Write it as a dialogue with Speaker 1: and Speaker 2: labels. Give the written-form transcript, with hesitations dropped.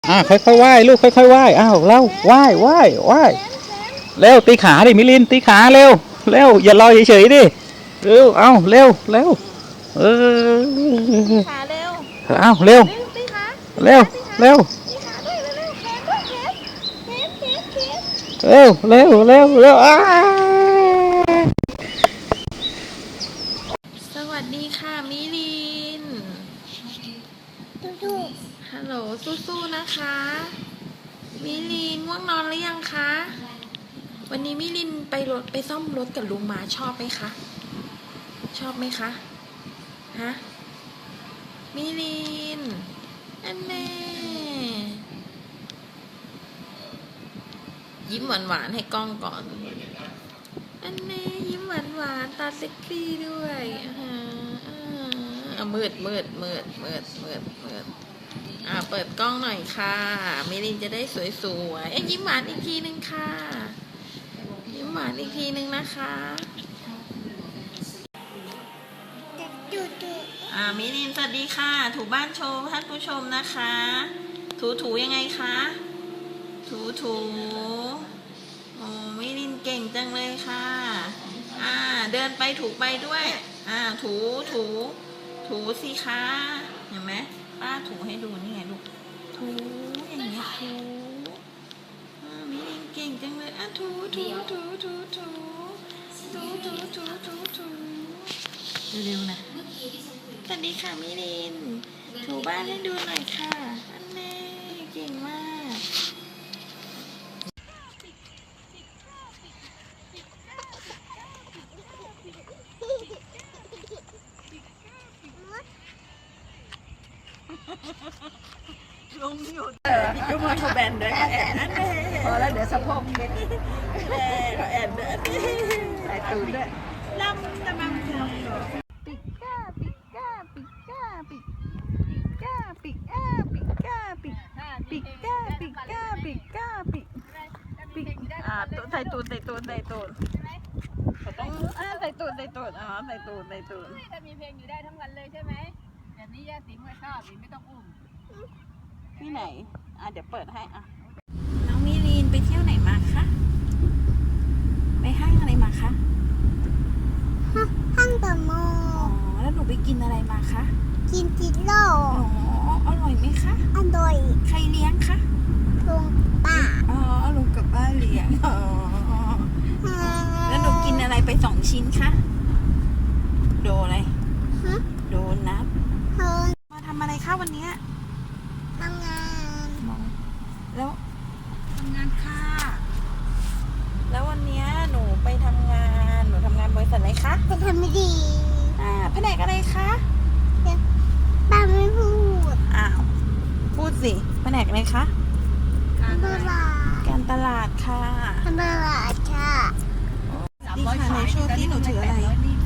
Speaker 1: ค่อยๆว่ายลูกค่อยๆว่ายอ้าวเร็วว่ายว่ายว่ายเร็วตีขาดิมิลินตีขาเร็วเร็วอย่าลอยเฉยๆดิเร็วเอาเร็วเร็วเออ
Speaker 2: ขาเร็ว
Speaker 1: เอาเร็ว
Speaker 2: ตีขา
Speaker 1: เร็วเร็ว
Speaker 2: ตีขาด้วยเร็วแขนด้วยแขน
Speaker 1: เร็วเร็วเร็วเร็ว
Speaker 2: สวัสดีค่ะมิลินฮัลโหลสู้ๆนะคะมิลินง่วงนอนหรือยังคะวันนี้มิลินไปซ่อมรถกับลุงมาชอบไหมคะชอบไหมคะฮะมิลินอันแน่ยิ้มหวานๆให้กล้องก่อนอันนี้ยิ้มหวานๆตาเซ็กซี่ด้วยมืดเปิดกล้องหน่อยค่ะมิลินจะได้สวยๆยิ้มหวานอีกทีนึงค่ะยิ้มหวานอีกทีนึงนะคะมิลินสวัสดีค่ะถูบ้านโชว์ท่านผู้ชมนะคะถูยังไงคะถูโอ้มิลินเก่งจังเลยค่ะเดินไปถูไปด้วยถูสิคะเห็นไหมป้าถูให้ดูนี่ไงลูกถูอย่างนี้ถูมิลินเก่งจังเลยถูเร็วๆนะสวัสดีค่ะมิลินถูบ้านให้ดูหน่อยค่ะอันนี้เก่งมากลงอยู่ก็มาเขาแบนด้วยแอนนั่นเองพอแล้วเดี๋ยวสะโพกเม็ดแอนเดินใส่ตูดด้วยลำตะมังปิก้าใส่ตูดต้องใส่ตูดใส่ตูด
Speaker 3: จะมีเพลงอยู่ได้ทั้งวันเลยใช่ไหมแบบนี้ย่าสิงไม่ชอบสิไม่ต้องอุ้ม
Speaker 2: ที่ไหนเดี๋ยวเปิดให้น้องมิลีนไปเที่ยวไหนมาคะไปห้างอะไรมาคะ
Speaker 4: ห้างเดอะมอลล์
Speaker 2: แล้วหนูไปกินอะไรมาคะ
Speaker 4: กินจิโร่
Speaker 2: อร่อยไหมคะ
Speaker 4: อร่อย
Speaker 2: ใครเลี้ยงคะ
Speaker 4: ลุงป้า
Speaker 2: ลุงกับป้าเลี้ยงแล้วหนูกินอะไรไป2 ชิ้นคะโดอะไรโดนัทมาทำอะไรคะวันนี้
Speaker 4: ทำงาน
Speaker 2: แล้วทำงานค่ะแล้ววันนี้หนูไปทำงานบริษัทไหนคะ
Speaker 4: ไปทำไม่ดี
Speaker 2: แผนกอะไรคะ
Speaker 4: ป้าไม่พูด
Speaker 2: พูดสิแผนกอะไรคะการตลาดค่ะ
Speaker 4: การตลาดค่ะ
Speaker 2: ดีค่ะในช่วงที่หนูถืออะไร